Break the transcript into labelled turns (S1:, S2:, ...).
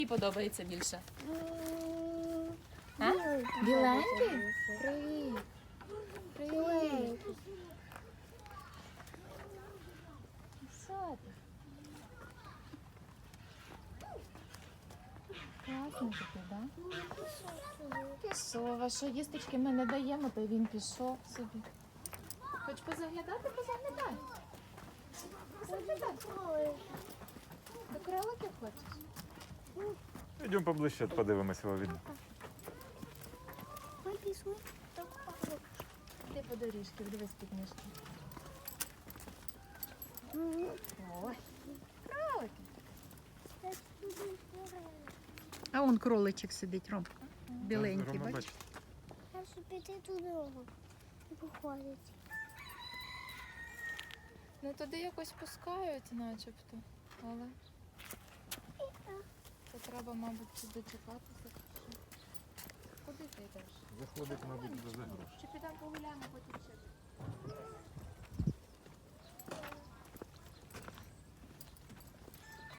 S1: Мені подобається більше.
S2: А?
S1: Біленький? Привіт. Привіт. Що ти? Класний такий, так? Пішов. А що їсточки ми не даємо, то він пішов собі. Хоч позаглядати, позаглядай. Позаглядай. До кроликів хочеш?
S3: Йдемо поближче, подивимося його видно.
S1: Ти по доріжці, дивись під ніжки. Ой, кролики.
S2: А он кроличик сидить, Ром. Біленький,
S3: Рома,
S2: бачиш?
S4: Я щоб піти туди виходить.
S1: Ну туди якось пускають начебто, але то треба, мабуть, дочекатися. Куди ти йдеш?
S3: Заходить, мабуть, за гроші.
S1: Чи підемо погуляємо?